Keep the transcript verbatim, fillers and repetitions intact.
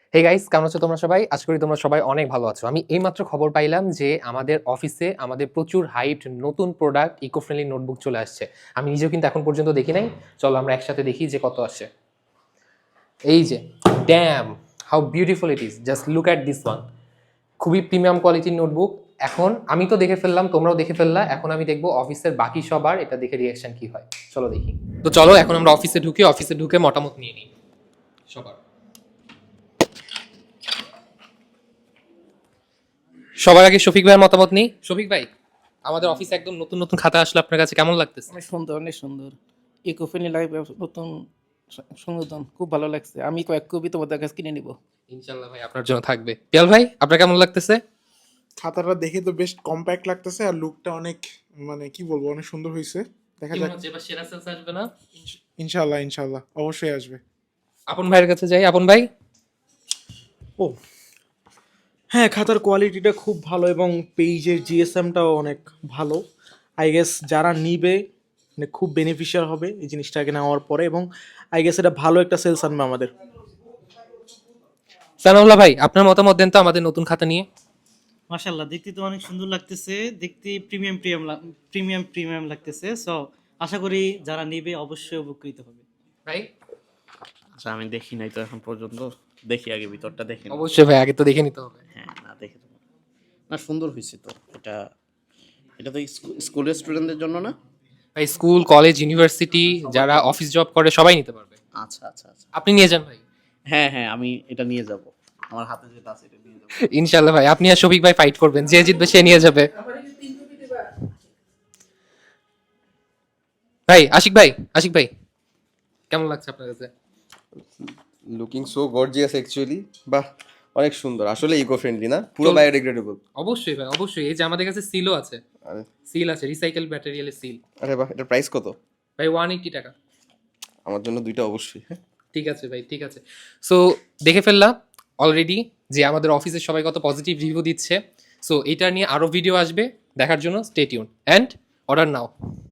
Hey guys, কেমন আছো তোমরা সবাই? আশা করি তোমরা সবাই অনেক ভালো আছো। আমি এইমাত্র খবর পাইলাম যে আমাদের অফিসে আমাদের প্রচুর হাইট নতুন প্রোডাক্ট ইকো ফ্রেন্ডলি নোটবুক চলে আসছে। আমি নিজেও কিন্তু এখন পর্যন্ত দেখি নাই। চলো আমরা একসাথে দেখি যে কত আসে। এই যে, damn, how beautiful it is, just look at this one. খুবই প্রিমিয়াম কোয়ালিটির নোটবুক। এখন আমি তো দেখে ফেললাম, তোমরাও দেখে ফেললা। এখন আমি দেখবো অফিসের বাকি সবার এটা দেখে রিয়াকশন কি হয়। চলো দেখি। তো চলো এখন আমরা অফিসে ঢুকি, অফিসে ঢুকে মতামত নিয়ে নিই সবার। সবার আগে শফিক ভাইয়ের মতামত নিই। শফিক ভাই, আমাদের অফিসে একদম নতুন নতুন খাতা আসলে আপনার কাছে কেমন লাগতেছে? অনেক সুন্দর, অনেক সুন্দর। ইকো ফ্রেন্ডলি লাইফ নতুন সংশোধন খুব ভালো লাগছে। আমি কয়েক কপি তোমাদের কাছে কিনে নিব। ইনশাল্লাহ ভাই, আপনার জন্য থাকবে। পিয়াল ভাই, আপনার কেমন লাগতেছে? খাতাটা দেখে তো বেশ কম্প্যাক্ট লাগতেছে, আর লুকটা অনেক, মানে কি বলবো, অনেক সুন্দর হয়েছে। দেখা কি যাক। মনে হচ্ছে এবার সেরা সেলস আসবে না? ইনশাল্লাহ ইনশাল্লাহ অবশ্যই আসবে। আপন ভাইয়ের কাছে যাই। আপন ভাই, ও হ্যাঁ, খাতার কোয়ালিটিটা খুব ভালো এবং পেজের জিএসএমটাও অনেক ভালো। আই গেস যারা নিবে মানে খুব বেনিফিশিয়াল হবে এই জিনিসটাকে নেওয়ার পরে, এবং আই গেস এটা ভালো একটা সেলস আনবে আমাদের। সানাউল্লাহ ভাই, আপনার মতামত দেন তো আমাদের নতুন খাতা নিয়ে। মাশাআল্লাহ, দেখতে তো অনেক সুন্দর লাগতেছে। দেখতে প্রিমিয়াম প্রিমিয়াম প্রিমিয়াম প্রিমিয়াম লাগতেছে। সো আশা করি যারা নেবে অবশ্যই উপকৃত হবে। ভাই আচ্ছা, আমি দেখি নাই তো এখন পর্যন্ত। দেখি আগে ভিতরটা দেখি। অবশ্যই ভাই, আগে তো দেখে নিতে হবে। হ্যাঁ, না দেখে তো না, সুন্দর হয়েছে তো। এটা এটা তো স্কু- স্কুলের স্টুডেন্টদের জন্য না? ভাই স্কুল, কলেজ, ইউনিভার্সিটি, যারা অফিস জব করে সবাই নিতে পারবে। আচ্ছা আচ্ছা আচ্ছা। আপনি নিয়ে যান ভাই। হ্যাঁ হ্যাঁ, আমি এটা নিয়ে যাব। আমার হাতে যেটা আছে এটা নিয়ে যাব। ইনশাল্লাহ ভাই, আপনি আর শফিক ভাই ফাইট করবেন, যে জিতবে সে নিয়ে যাবে। ভাই আশিক ভাই, আশিক ভাই কেমন লাগছে আপনার কাছে? Looking so gorgeous actually. বাহ, অনেক সুন্দর। আসলে ইকো ফ্রেন্ডলি না, পুরো বায়োডিগ্রেডেবল। অবশ্যই ভাই, অবশ্যই। এই যে আমাদের কাছে সিলও আছে, আরে সিল আছে, রিসাইকেল ম্যাটেরিয়ালের সিল। আরে বাহ, এটার প্রাইস কত? ভাই ওয়ান এইটি টাকা। আমার জন্য দুইটা অবশ্যই। হ্যাঁ, ঠিক আছে ভাই, ঠিক আছে। সো দেখে ফেললাম অলরেডি যে আমাদের অফিসের সবাই কত পজিটিভ রিভিউ দিচ্ছে। সো এটা নিয়ে আরও ভিডিও আসবে, দেখার জন্য stay tune and order now.